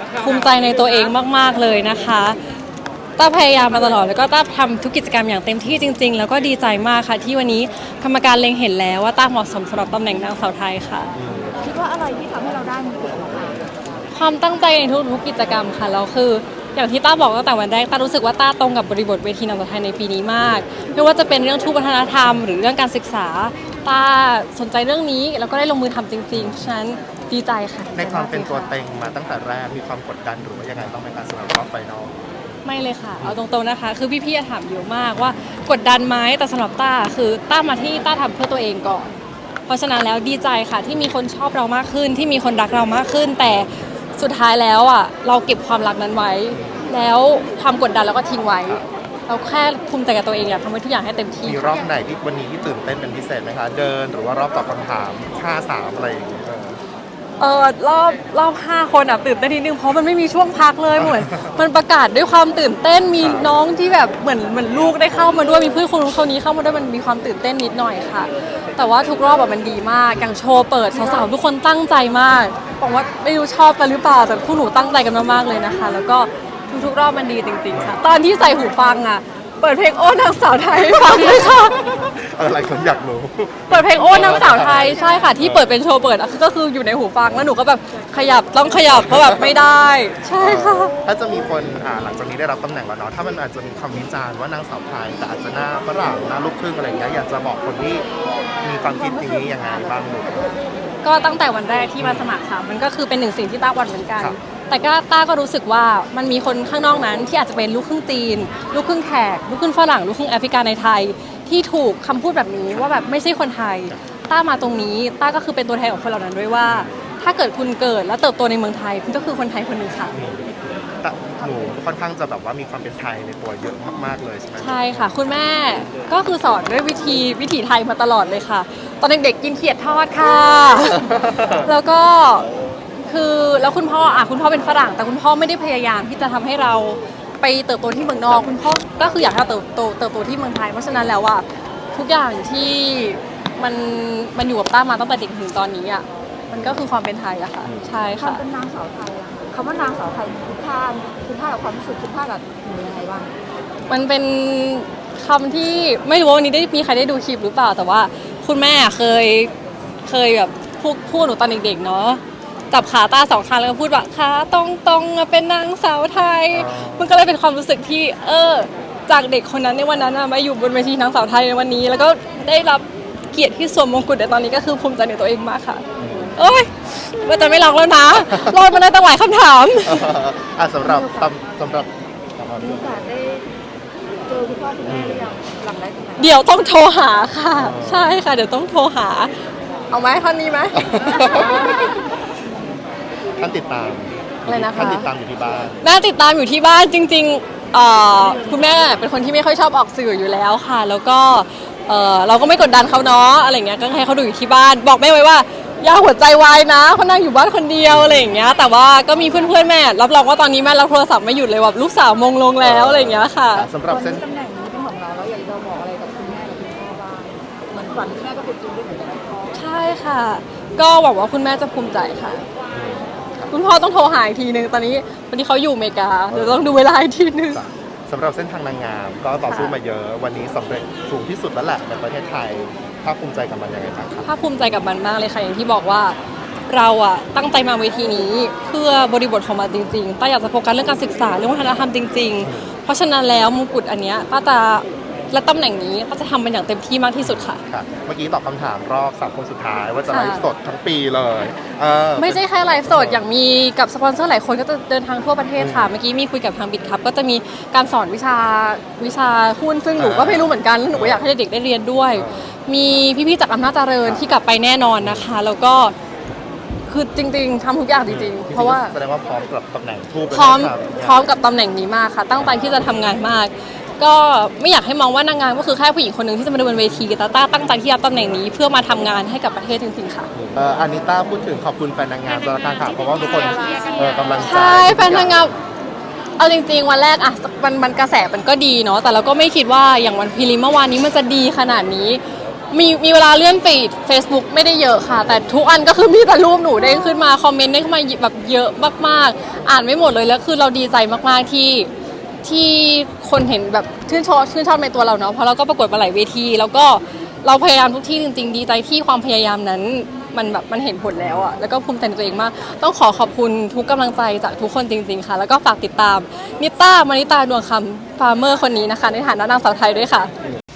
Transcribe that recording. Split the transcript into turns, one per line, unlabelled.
ภูมิใจในตัวเองมากๆเลยนะคะต้าพยายามมาตลอดแล้วก็ต้าทำทุกกิจกรรมอย่างเต็มที่จริงๆแล้วก็ดีใจมากค่ะที่วันนี้กรรมการเล็งเห็นแล้วว่าต้าเหมาะสมสำหรับตำแหน่งนางสาวไทยค่ะ
คิดว่าอะไรที่ทำให้เราได้มงกุฎมา
ความตั้งใจในทุกๆกิจกรรมค่ะแล้วคืออย่างที่ต้าบอกตั้งแต่วันแรกต้ารู้สึกว่าต้าตรงกับบริบทเวทีนางสาวไทยในปีนี้มากไม่ว่าจะเป็นเรื่องทุกวัฒนธรรมหรือเรื่องการศึกษาต้าสนใจเรื่องนี้แล้วก็ได้ลงมือทำจริงๆฉะนั้นดีใจค่ะ
ในความเป็นตัวเต็งมาตั้งแต่แรกมีความกดดันหรือว่ายังไงต้องในการสำหรับรอบไฟนอล
ไม่เลยค่ะเอาตรงๆนะคะคือพี่ๆถามเยอะมากว่ากดดันไหมแต่สำหรับต้าคือต้ามาที่ต้าทำเพื่อตัวเองก่อนเพราะฉะนั้นแล้วดีใจค่ะที่มีคนชอบเรามากขึ้นที่มีคนรักเรามากขึ้นแต่สุดท้ายแล้วอ่ะเราเก็บความรักนั้นไว้แล้วความกดดันเราก็ทิ้งไว้เราแค่ภูมิใจกับตัวเองอยากทำให้ทุกอย่างให้เต็มที่
มีรอบไหนที่วันนี้ที่ตื่นเต้นเป็นพิเศษไหมคะเดินหรือว่ารอบตอบคำถาม5-3อะไรอย่างเงี้ย
รอบ5คนอ่ะตื่นเต้นนิดนึงเพราะมันไม่มีช่วงพักเลยเหมือนมันประกาศด้วยความตื่นเต้นมีน้องที่แบบเหมือนลูกได้เข้ามาด้วยมีเพื่อนคนนู้นคนนี้เข้ามาด้วยมันมีความตื่นเต้นนิดหน่อยค่ะแต่ว่าทุกรอบแบบมันดีมากอย่างโชว์เปิดสาวๆทุกคนตั้งใจมากบอกว่าไม่รู้ชอบกันหรือเปล่าแต่พวกหนูตั้งใจกันมากๆเลยนะคะแล้วก็ทุกรอบมันดีจริงๆค่ะตอนที่ใส่หูฟังอ่ะเปิดเพลงโอ้นางสาวไทยให้ฟังเลยค่ะ
อะไรคนอยากรู้
เปิดเพลงโอ้นางสาวไทยใช่ค่ะที่เปิดเป็นโชว์เปิดก็คืออยู่ในหูฟังแล้วหนูก็แบบขยับต้องขยับเพราะแบบไม่ได้ใช่ค่ะ
ถ้าจะมีคนหลังจากนี้ได้รับตำแหน่งแล้วเนาะถ้ามันอาจจะมีคำวิจารณ์ว่านางสาวไทยแต่อาจจะหน้าฝรั่งหน้าลูกครึ่งอะไรอย่างเงี้ยอยากจะบอกคนที่มีความคิดอย่างนี้ยังไงบ้างหนู
ก็ตั้งแต่วันแรกที่มาสมัครค่ะมันก็คือเป็นหนึ่งสิ่งที่ต้าหวั่นเหมือนกันแต่ก็ต้าก็รู้สึกว่ามันมีคนข้างนอกนั้นที่อาจจะเป็นลูกครึ่งจีนลูกครึ่งแขกลูกครึ่งฝรั่งลูกครึ่งแอฟริกาในไทยที่ถูกคำพูดแบบนี้ว่าแบบไม่ใช่คนไทยต้ามาตรงนี้ต้าก็คือเป็นตัวแทนของคนเหล่านั้นด้วยว่าถ้าเกิดคุณเกิดและเติบโตในเมืองไทยคุณก็คือคนไทยคนหนึ่งค่ะ
แต่หนูค่อนข้างจะแบบว่ามีความเป็นไทยในตัวเยอะมากๆเลยใช่ไหม
ใช่ค่ะคุณแม่ก็คือสอนด้วยวิถีไทยมาตลอดเลยค่ะตอนเด็กๆกินเขียดทอดค่ะแล้วก็คือแล้วคุณพ่อเป็นฝรั่งแต่คุณพ่อไม่ได้พยายามที่จะทำให้เราไปเติบโตที่เมืองนอกคุณพ่อก็คืออยากให้เราเติบโตที่เมืองไทยเพราะฉะนั้นแล้วว่าทุกอย่างที่มันอยู่กับต้ามาตั้งแต่เด็กถึงตอนนี้อ่ะมันก็คือความเป็นไทยอะค่ะใช่ค่ะ
เป็นนางสาวไทยอะคำว่านางสาวไทยมีคุณค่ากับความรู้สึกคุณค่ากับหนูยังไงบ้าง
มันเป็นคำที่ไม่รู้ว่าวันนี้ได้มีใครได้ดูคลิปหรือเปล่าแต่ว่าคุณแม่เคยแบบพูดหนูตอนเด็กๆเนาะจับขาต้า2ข้างแล้วก็พูดว่าขาตรงเป็นนางสาวไทยมันก็เลยเป็นความรู้สึกที่จากเด็กคนนั้นในวันนั้นมาอยู่บนเวทีนางสาวไทยในวันนี้แล้วก็ได้รับเกียรติที่สวมมงกุฎในตอนนี้ก็คือภูมิใจในตัวเองมากค่ะโอ้ยว่าจะไม่ร้องแล้วนะรอดมาได้ตั้งหลายคำถาม
สำหรับ
มีโอกาสได้เจอคุณพ่อคุณแม่หรือยังหลังได้ตรงไหน
เดี๋ยวต้องโทรหาค่ะใช่ค่ะเดี๋ยวต้องโทรหาเอาไหมท่านนี้ไหม
ท่านติดตาม
อะไรนะคะ
ท่านติดตามอยู่ที่บ้าน
น่าติดตามอยู่ที่บ้านจริงๆคุณแม่เป็นคนที่ไม่ค่อยชอบออกสื่ออยู่แล้วค่ะแล้วก็เราก็ไม่กดดันเขาเนาะอะไรเงี้ยก็ให้เขาดูอยู่ที่บ้านบอกแม่ไว้ว่าอย่าหัวใจวายนะเขานั่งอยู่บ้านคนเดียวอะไรอย่างเงี้ยแต่ว่าก็มีเพื่อนๆแม่รับรองว่าตอนนี้แม่รับโทรศัพท์ไม่หยุดเลยแบบลูกสาวมงลงแล้วอะไรอย่างเงี้ยค่ะ
สำหรับเส้น
ตำแหน่งนี้เป็นของเราแล้วอยากจะบอกอะไรกับคุณแม่กับคุณพ่อบ้างเหมือนฝันคุณแม่ก็เป็นจริงด้วยเหมือนกัน
ใช่ค่ะก็หวังว่าคุณแม่จะภูมิใจค่ะคุณพ่อต้องโทรหาอีกทีนึงตอนนี้วันนี้เขาอยู่อเมริกาเดี๋ยวต้องดูเวลาอีกทีนึง
สำหรับเส้นทางนางงามก็ต่อสู้มาเยอะวันนี้สำเร็จสูงที่สุดแล้วแหละในประเทศไทยภาคภูมิใจกับมันยังไงบ้างครับ
ภาคภูมิใจกับมันมากเลยค่ะอย่างที่บอกว่าเราตั้งใจมาเวทีนี้เพื่อบริบทของมันจริงๆต้าอยากจะโฟกัสเรื่องการศึกษาเรื่องวัฒนธรรมจริงๆเพราะฉะนั้นแล้วมงกุฎอันเนี้ยต้าจะและตำแหน่งนี้ต้าจะทำเป็นอย่างเต็มที่มากที่สุดค่ะ
เมื่อกี้ตอบคำถามรอบ3 คนสุดท้ายว่าจะไลฟ์สดทั้งปีเลย
ไม่ใช่แค่ไลฟ์สดอย่างมีกับสปอนเซอร์หลายคนก็จะเดินทางทั่วประเทศค่ะเมื่อกี้มีคุยกับทางบิดครับก็จะมีการสอนวิชาหุ้นซึ่งหนูก็ไม่รู้เหมือนกันแล้วหนูก็อยากให้เด็กได้เรียนด้วยมีพี่ๆจากอำนาจเจริญที่กลับไปแน่นอนนะคะแล้วก็คือจริงๆทำทุกอย่างจริงๆเพราะว่า
แสดงว่าพร้อมกับตำแหน่งทูบ
พร้อมกับตำแหน่งนี้มากค่ะตั้งใจที่จะทำงานมากก็ไม่อยากให้มองว่านางงามก็คือแค่ผู้หญิงคนหนึ่งที่จะมาเดินบนเวทีแต่ต้าตั้งใจที่รับตำแหน่งนี้เพื่อมาทำงานให้กับประเทศจริงๆค่ะ
อานิต้าพูดถึงขอบคุณแฟนนางงามตลอดการข่าวเพราะว่าทุกคนกำลัง
ใช่แฟนนางงามเอาจริงๆวันแรกอะมันกระแสมันก็ดีเนาะแต่เราก็ไม่คิดว่าอย่างวันพรีลิมเมื่อวานนี้มันจะดีขนาดนี้มีเวลาเลื่อนฟีด Facebook ไม่ได้เยอะค่ะ แต่ทุกอันก็คือมีแต่รูปหนูเด้งขึ้นมาคอมเมนต์เด้งขึ้นมาแบบเยอะมากๆอ่านไม่หมดเลยแล้วคือเราดีใจมากๆที่คนเห็นแบบชื่นชอบในตัวเราเนาะเพราะเราก็ประกวดมาหลายเวทีแล้วก็เราพยายามทุกที่จริงๆดีใจที่ความพยายามนั้นมันเห็นผลแล้วอะแล้วก็ภูมิใจในตัวเองมากต้องขอบคุณทุกกำลังใจจากทุกคนจริงๆค่ะแล้วก็ฝากติดตามนิต้ามานิตาดวงคำฟาร์เมอร์คนนี้นะคะในฐานะนางสาวไทยด้วยค่ะ